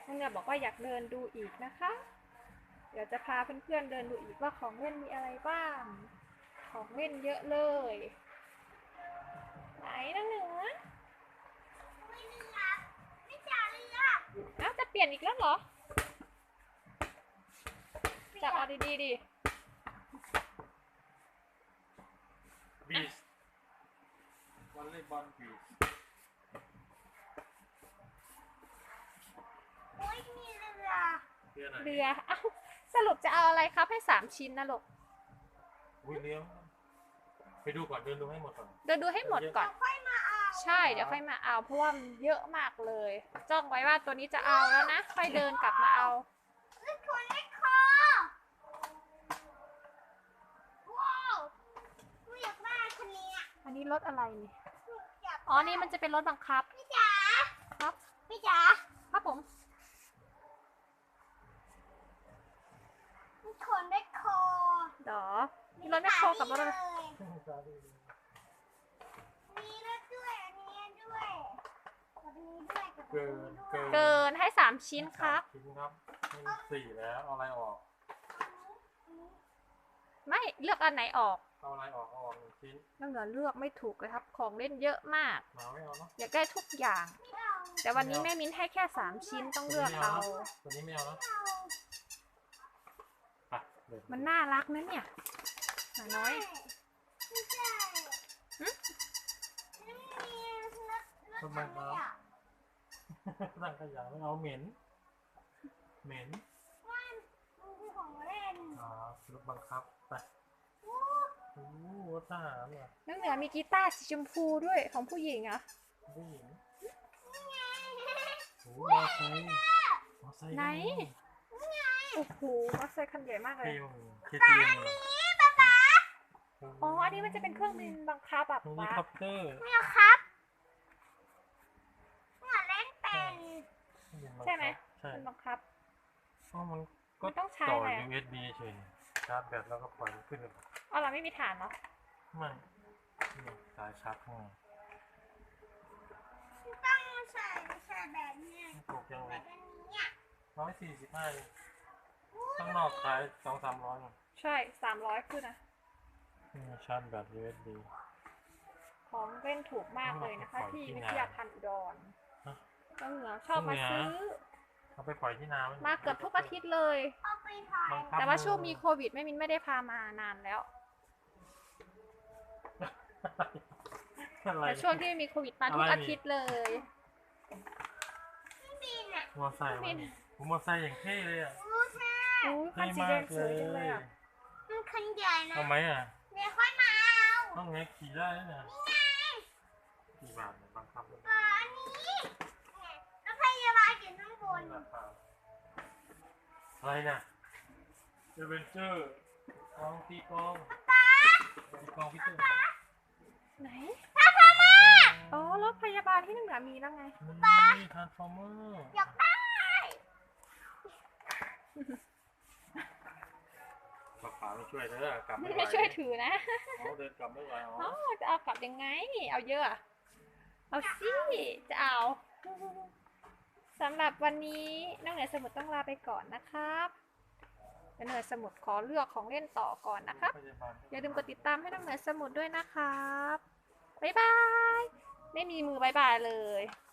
น้องเหนือบอกว่าอยากเดินดูอีกนะคะ เดี๋ยวจะพาเพื่อนๆเดินดูอีกว่าของเล่นมีอะไรบ้าง ของเล่นเยอะเลย ไหนน้องเหนืออ้าวจะเปลี่ยนอีกแล้วเหรอจับเอาดีๆดิบีชวอลเลย์บอลบีชเรือเอ้าสรุปจะเอาอะไรครับให้3 ชิ้นนะลูกเลี้ยงไปดูก่อนเดินดูให้หมดก่อนเดินดูให้หมดก่อนใช่เดี๋ยวค่อยมาเอาเพราะว่ามันเยอะมากเลยจ้องไว้ว่าตัวนี้จะเอาแล้วนะค่อยเดินกลับมาเอาอันนี้รถอะไรนี่อ๋อนี่มันจะเป็นรถบังคับพี่จ๋าครับพี่จ๋าครับผมคนได้คอเดี๋ยวมีรถแมคโครกับรถอะไรมีรถด้วยอันนี้ด้วยกับนี้ด้วยกับนี้ด้วยเกินให้3 ชิ้นครับชิ้นครับให้4แล้วเอาอะไรออกไม่เลือกอันไหนออกเอาอะไรออกเอาออก1 ชิ้นน้องเหนือเลือกไม่ถูกเลยครับของเล่นเยอะมากไม่เอาเนาะอยากได้ทุกอย่างแต่วันนี้แม่มิ้นให้แค่3 ชิ้นต้องเลือกเอาตัวนี้ไม่เอานะมันน่ารักนะเนี่ยหมาน้อยทำไมครับตั้งขยะไม่เอาเหม็นมันคือของเล่นรถบังคับไปโอ้รถทหารเหรอน้องเหนือมีกีตาร์สีชมพูด้วยของผู้หญิงอ่ะผู้หญิงโอ้มอไซค์ไหนโอ้โหมอไซค์คันใหญ่มากเลยอ๋ออันนี้มันจะเป็นเครื่องบินบังคับแบบเฮลิคอปเตอร์ไม่เอาครับเล่นเป็นใช่ไหมมันบังคับมันก็ต้องใช้ต่อ USB เฉยชาร์จแบตแล้วก็ปล่อยขึ้นเลยอ๋อเราไม่มีฐานเหรอไม่สายชาร์จข้างต้องใส่แบบนี้ถูกยังไง145ข้างนอกขาย200-300 ใช่300ขึ้นนะชาร์จแบต USB ของเล่นถูกมากเลยนะคะที่วิทยาพันธ์อุดรน้องเหนือชอบมาซื้อเอาไปปล่อยที่นามาเกือบทุกอาทิตย์เลยแต่ว่าช่วงมีโควิดแม่มิ้นไม่ได้พามานานแล้วแต่ช่วงที่มีโควิดมาทุกอาทิตย์เลยมอไซค์มอไซค์อย่างเท่เลยอ่ะคันสีแดงสวยจังเลยอ่ะมันคันใหญ่นะทำไมอ่ะเดี๋ยวค่อยมาเอาต้องไงขี่ได้นะนี่ไงกี่บาทบังคับอันนี้แล้วพยาบาลอยู่ข้างบนอะไรน่ะเอเวนเจอร์ตีกองพี่เจอไหนทาร์ฟอร์เมอร์อ๋อรถพยาบาลที่น้องเหนือมีแล้วไงนี่ทาร์ฟอร์เมอร์อยากได้ป๋าไม่ช่วยเด้อกลับไม่ช่วยถือนะเดินกลับไม่ไหวจะเอากลับยังไงเอาเยอะเอาสิจะเอาสำหรับวันนี้น้องเหนือสมุทรต้องลาไปก่อนนะครับน้องเหนือสมุทรขอเลือกของเล่นต่อก่อนนะครับอย่าลืมกดติดตามให้น้องเหนือสมุทรด้วยนะครับบ๊ายบายไม่มีมือบ๊ายบายเลย